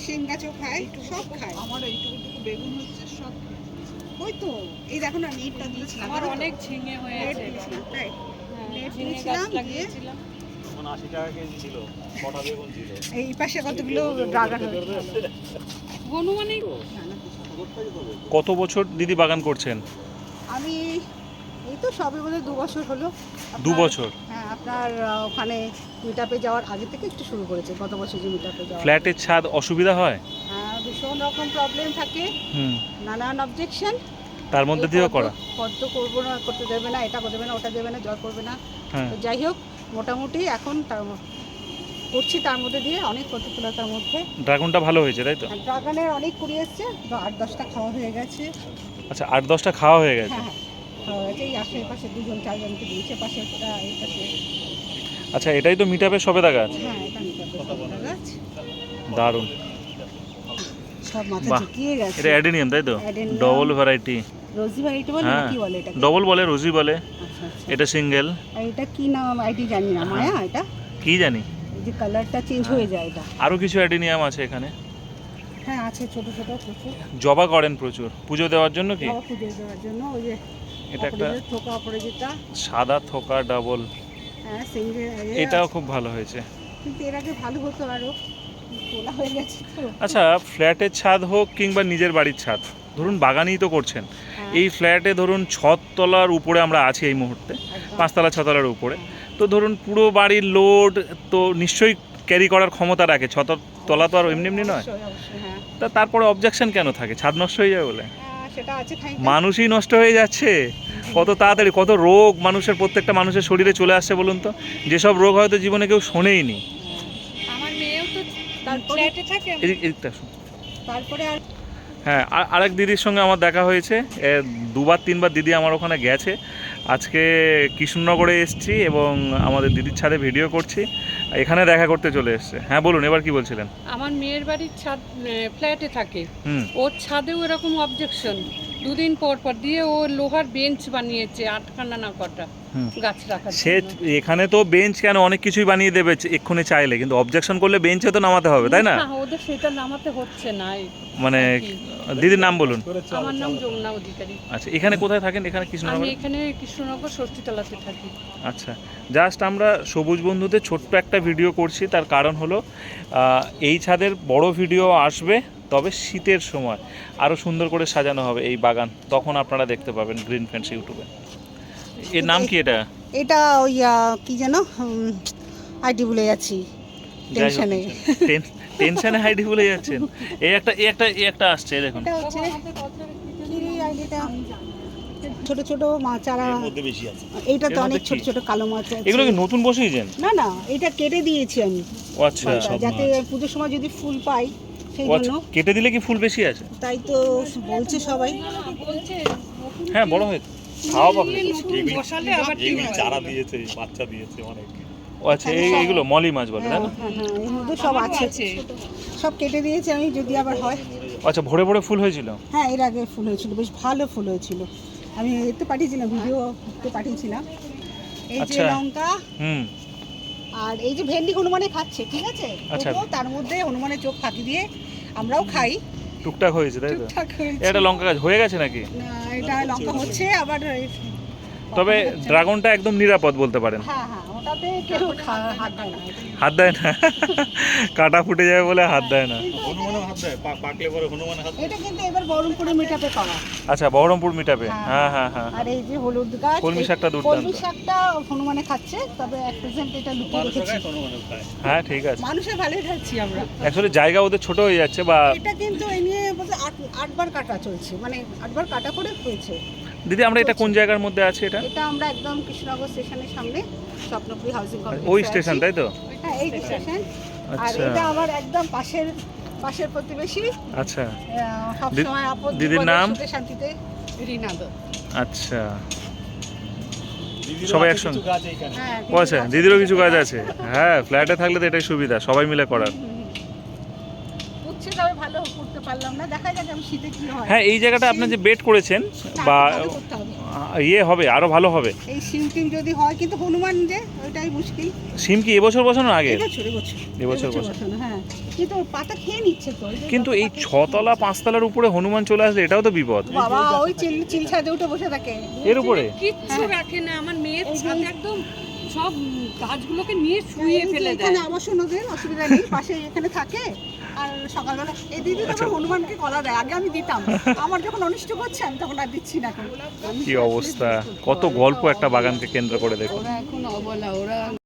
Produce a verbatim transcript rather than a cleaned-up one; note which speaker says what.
Speaker 1: শিম গাছও খায়, সব খায়।
Speaker 2: আমার এইটুকু বেগুন হচ্ছে সব
Speaker 1: ওই তো এই দেখো না নেটটা দিয়েছিলাম,
Speaker 3: আমার অনেক ঝিঙে হয়ে
Speaker 1: নেট
Speaker 3: আছে
Speaker 1: দিয়েছিলাম, তাই নেট
Speaker 3: ঝিঙে গাছ
Speaker 1: দিয়েছিলাম দিয়ে
Speaker 3: লাগিয়েছিলাম।
Speaker 4: তখন আশি টাকা কেজি ছিল, ছটা বেগুন ছিল।
Speaker 1: এই পাশে কতগুলো ড্রাগন হয়েছে।
Speaker 3: অনুমানিক
Speaker 4: কত বছর দিদি বাগান করছেন?
Speaker 1: আমি এই তো সবে বলে দু বছর হলো।
Speaker 4: দু
Speaker 1: আপনার-
Speaker 4: বছর
Speaker 1: হ্যাঁ, আপনার আহ, ওখানে মিটআপে যাওয়ার আগে থেকে একটু শুরু করেছে, গত বছর যে মিটআপে যাওয়া।
Speaker 4: ফ্ল্যাটের ছাদ অসুবিধা হয়?
Speaker 1: হ্যাঁ, ভীষণ রকম প্রবলেম থাকে,
Speaker 4: হুম,
Speaker 1: নানান অবজেকশন।
Speaker 4: তার মধ্যে দিয়েও করা।
Speaker 1: পদ্ম করবো না, করতে দেবে না, এটা দেবে না, ওটা দেবে না, জল করবে না।
Speaker 4: হ্যাঁ,
Speaker 1: তো যাই হোক, মোটামুটি এখন তার ম- করছি, তার মধ্যে দিয়ে অনেক প্রতিকূলতার মধ্যে।
Speaker 4: ড্রাগনটা ভালো হয়েছে তাই তো?
Speaker 1: ড্রাগনের অনেক কুড়ি এসছে, বা আট দশটা খাওয়া হয়ে গেছে।
Speaker 4: আচ্ছা, আট দশটা খাওয়া হয়ে গেছে।
Speaker 1: হ্যাঁ হ্যাঁ, খাওয়া হয়ে গেছে। এই আশেপাশে দুজন চারজনকে দিয়েছে, পাশে একটা, এই পাশে।
Speaker 4: আচ্ছা, এটাই তো মিটাপের সবেদা গাছ।
Speaker 1: হ্যাঁ, এটা নিতে হবে গাছ।
Speaker 4: দারুণ।
Speaker 1: সব মাথা
Speaker 4: বাহ,
Speaker 1: ঝুঁকিয়ে গেছে।
Speaker 4: এটা অ্যাডেনিয়াম তাই তো?
Speaker 1: Addenium।
Speaker 4: Double variety.
Speaker 1: Rosy variety বলে না
Speaker 4: হ্যাঁ,
Speaker 1: কি বলে এটাকে?
Speaker 4: ডবল বলে, রোজি বলে।
Speaker 1: আচ্ছা আচ্ছা।
Speaker 4: এটা সিঙ্গেল।
Speaker 1: আর এটা কি নাম আইডি জানি না, মায়া এটা?
Speaker 4: কি জানি।
Speaker 1: এই যে কালারটা চেঞ্জ হয়ে যায় এটা।
Speaker 4: আরো কিছু অ্যাডেনিয়াম আছে এখানে।
Speaker 1: হ্যাঁ আছে, ছোট ছোট প্রচুর।
Speaker 4: জবা করেন প্রচুর পুজো দেওয়ার জন্য কি?
Speaker 1: বাবা পুজো দেওয়ার জন্য। ওই যে
Speaker 4: এটা একটা
Speaker 1: অপরাজিতা, থোকা অপরাজিতা।
Speaker 4: সাদা থোকা ডাবল,
Speaker 1: হ্যাঁ সিঙ্গেল।
Speaker 4: এটাও খুব ভালো হয়েছে।
Speaker 1: কিন্তু এর আগে ভালো হতো আরো, তোলা হয়ে গেছে তো।
Speaker 4: আচ্ছা, ফ্ল্যাটের ছাদ হোক কিংবা নিজের বাড়ির ছাদ, ধরুন বাগানই তো করছেন,
Speaker 1: হ্যাঁ,
Speaker 4: এই ফ্ল্যাটে ধরুন ছতলার উপরে আমরা আছি এই মুহূর্তে,
Speaker 1: একদম।
Speaker 4: পাঁচতলা ছতলার উপরে, তো ধরুন পুরো বাড়ির লোড তো নিশ্চয়ই ক্যারি করার ক্ষমতা রাখে, ছত তলা তো আর এমনি এমনি নয়,
Speaker 1: অবশ্যই, অবশ্যই, হ্যাঁ।
Speaker 4: তা তারপরে অবজেকশন কেন থাকে? ছাদ নষ্ট হয়ে যাবে বলে?
Speaker 1: হ্যাঁ, সেটা আছে খাই।
Speaker 4: মানুষই নষ্ট হয়ে যাচ্ছে কত তাড়াতাড়ি, কত রোগ মানুষের, প্রত্যেকটা মানুষের শরীরে চলে আসছে বলুন তো, যেসব রোগ হয়তো জীবনে কেউ শোনেইনি।
Speaker 3: আমার মেয়েও তো
Speaker 1: তারপরে
Speaker 3: ফ্ল্যাটে থাকে।
Speaker 4: এদিক এদিকটা আসুন।
Speaker 1: তারপরে আর
Speaker 4: হ্যাঁ, আর আরেক দিদির সঙ্গে আমার দেখা হয়েছে, এ, দুবার তিনবার দিদি আমার ওখানে গেছে। আজকে কৃষ্ণনগরে এসেছি এবং আমাদের দিদির ছাদে ভিডিও করছি, এখানে দেখা করতে চলে এসছে। হ্যাঁ বলুন, এবার কি বলছিলেন?
Speaker 3: আমার মেয়ের বাড়ির ছাদ ফ্ল্যাটে থাকে,
Speaker 4: হুম,
Speaker 3: ওর ছাদেও এরকম অবজেকশন। দুদিন পর পর দিয়ে ও লোহার বেঞ্চ বানিয়েছে আটখানা না কটা
Speaker 4: হুম।
Speaker 3: গাছ রাখার
Speaker 4: সে
Speaker 3: জন্য।
Speaker 4: এখানে তো বেঞ্চ কেন, অনেক কিছুই বানিয়ে দেবে এক্ষুনি চাইলে, কিন্তু অবজেকশন করলে বেঞ্চে তো নামাতে হবে তাই না?
Speaker 3: না, ওদের সেটা নামাতে হচ্ছে না। এই
Speaker 4: মানে
Speaker 3: আর কি।
Speaker 4: দিদির নাম বলুন।
Speaker 3: আমার নাম যমুনা অধিকারী।
Speaker 4: আচ্ছা, এখানে কোথায় থাকেন? এখানে
Speaker 3: আমি
Speaker 4: কৃষ্ণনগরে?
Speaker 3: এখানে কৃষ্ণনগর ষষ্ঠীতলাতে থাকি।
Speaker 4: আচ্ছা, জাস্ট আমরা সবুজ বন্ধুদের ছোট্ট একটা ভিডিও করছি, তার কারণ হলো আহ, এই ছাদের বড় ভিডিও আসবে, তবে শীতের সময় আরও সুন্দর করে সাজানো হবে এই বাগান, তখন আপনারা দেখতে পাবেন গ্রিন ফ্রেন্ডস ইউটিউবে। এর নাম কি এটা?
Speaker 1: এটা ওই আহ, কি যেন আইডি ভুলে যাচ্ছি টেনশনে।
Speaker 4: টেনশনে আইডি ভুলে যাচ্ছেন? এই একটা এই একটা এই একটা আসছে, এই দেখুন।
Speaker 1: এটা হচ্ছে কি আইডিটা, ছোট ছোট মাছ চারা।
Speaker 4: বেশি আছে।
Speaker 1: এইটাতে
Speaker 4: এর মধ্যে
Speaker 1: অনেক ছোট
Speaker 4: কি?
Speaker 1: ছোট কালো মাছ আছে।
Speaker 4: এগুলো কি নতুন বসিয়েছেন?
Speaker 1: না না, এটা কেটে দিয়েছি আমি,
Speaker 4: ও আচ্ছা,
Speaker 1: মালটা, যাতে পুজোর সময় যদি ফুল পাই সেই
Speaker 4: ও আচ্ছা,
Speaker 1: জন্য।
Speaker 4: কেটে দিলে কি ফুল বেশি আছে?
Speaker 1: তাই তো বলছে সবাই।
Speaker 3: বলছে
Speaker 4: হ্যাঁ, বড় হয়ে খাওয়া পাবে।
Speaker 3: বসালে আবার ঠিক হয়।
Speaker 4: চারা দিয়েছে, বাচ্চা দিয়েছে অনেক। ও আচ্ছা, এই এইগুলো মলি মাছ বলে তাই
Speaker 1: হ্যাঁ
Speaker 4: না?
Speaker 1: হ্যাঁ হ্যাঁ, এর মধ্যে সব আছে, সব কেটে দিয়েছি আমি, যদি আবার হয়।
Speaker 4: আচ্ছা, ভরে ভরে ফুল হয়েছিল?
Speaker 1: হ্যাঁ, এর আগে ফুল হয়েছিল, বেশ ভালো ফুল হয়েছিল। আমি এতে পাঠিয়েছিলাম, ভিডিওতে পাঠিয়েছিলাম। এই যে
Speaker 4: আচ্ছা।
Speaker 1: লঙ্কা,
Speaker 4: হুম,
Speaker 1: আর এই যে ভেন্ডি হনুমানে খাচ্ছে, ঠিক আছে?
Speaker 4: আচ্ছা।
Speaker 1: তবুও তার মধ্যে হনুমানের চোখ ফাঁকি দিয়ে আমরাও খাই।
Speaker 4: টুকটাক হয়েছে তাই তো?
Speaker 1: ঠিকঠাক হয়েছে।
Speaker 4: এটা লঙ্কা গাছ হয়ে গেছে নাকি?
Speaker 1: না, এটা লঙ্কা হচ্ছে আবার।
Speaker 4: তবে ড্রাগনটা একদম নিরাপদ বলতে পারেন।
Speaker 1: হ্যাঁ হ্যাঁ, ওটাতে কেউ খা- হাত দেয় না।
Speaker 4: হাত দেয় না? কাটা ফুটে যাবে বলে হাত দেয় না।
Speaker 1: এটা কিন্তু এবার বহরমপুরে মিটাপে পাওয়া।
Speaker 4: আচ্ছা, বহরমপুর মিটাবে। হ্যাঁ হ্যাঁ হ্যাঁ।
Speaker 1: আর এই যে হলুদ গাছ,
Speaker 4: কলমি শাকটা দুর্দান্ত।
Speaker 1: কলমি শাকটা হনুমানে খাচ্ছে, তবে এক প্রেজেন্ট এটা লুকিয়ে রেখেছি।
Speaker 4: হ্যাঁ, ঠিক আছে।
Speaker 1: মানুষের ভালোই খাচ্ছি আমরা।
Speaker 4: অ্যাকচুয়ালি জায়গা ওদের ছোট হয়ে যাচ্ছে, বা
Speaker 1: এটা কিন্তু এই নিয়ে বলতে আট আটবার কাটা চলছে, মানে আটবার কাটা করে হয়েছে।
Speaker 4: দিদি আমরা এটা কোন জায়গার মধ্যে আছে এটা?
Speaker 1: এটা আমরা একদম কৃষ্ণনগর স্টেশনের সামনে, স্বপ্নপুরী হাউজিং কমপ্লেক্সে
Speaker 4: ওই
Speaker 1: আছি।
Speaker 4: স্টেশন তাই তো?
Speaker 1: হ্যাঁ, এই স্টেশন। আর
Speaker 4: আচ্ছা
Speaker 1: এটা আমার একদম পাশের পাশের প্রতিবেশী।
Speaker 4: আচ্ছা,
Speaker 1: সব
Speaker 4: দি-
Speaker 1: সময় আপদ
Speaker 4: দিদির
Speaker 1: বিপদে,
Speaker 4: নাম?
Speaker 1: সুখে শান্তিতে রিনা দত্ত।
Speaker 4: আচ্ছা, সবাই একসঙ্গে।
Speaker 1: হ্যাঁ,
Speaker 4: ও আচ্ছা, দিদিরও কিছু কাজ আছে। হ্যাঁ, ফ্ল্যাটে থাকলে তো এটাই সুবিধা, সবাই মিলে করার।
Speaker 1: উচ্ছে তবে ভালো করতে পারলাম না, দেখা যাক আমি শীতে কি হয়।
Speaker 4: হ্যাঁ, এই জায়গাটা আপনি যে বেড করেছেন,
Speaker 1: না,
Speaker 4: বা
Speaker 1: ভালো করতে হবে।
Speaker 4: আহ, ইয়ে হবে, আরো ভালো হবে।
Speaker 1: এই সিম টিম যদি হয়, কিন্তু হনুমান যে ওইটাই মুশকিল।
Speaker 4: সিম কি এবছর বসানো আগে?
Speaker 1: এবছর এবছর
Speaker 4: এবছর বসানো।
Speaker 1: বসানো, হ্যাঁ। কিন্তু পাতা খেয়ে নিচ্ছে তো ওই যে
Speaker 4: কিন্তু এই ছতলা পাঁচতলার উপরে হনুমান চলে আসলে এটাও তো বিপদ।
Speaker 1: বাবা ওই চিল চিল ছাদে উঠে বসে থাকে।
Speaker 4: এর উপরে
Speaker 3: কিচ্ছু রাখে না, আমার মেয়ের ছাদ একদম সব গাছগুলোকে নিয়ে শুয়ে
Speaker 1: এই যে
Speaker 3: ফেলে দেয়।
Speaker 1: এখানে আবাসন ওদের অসুবিধা নেই, পাশে এখানে থাকে। আর সকালবেলা এই দিদি তো আবার হনুমানকে কলা দেয়, আগে আমি দিতাম, আমার যখন অনিষ্ট করছে আমি তখন আর দিচ্ছি না এখন।
Speaker 4: কি অবস্থা, কত গল্প একটা বাগানকে কেন্দ্র করে দেখুন।
Speaker 3: ওরা এখন অবলা, ওরা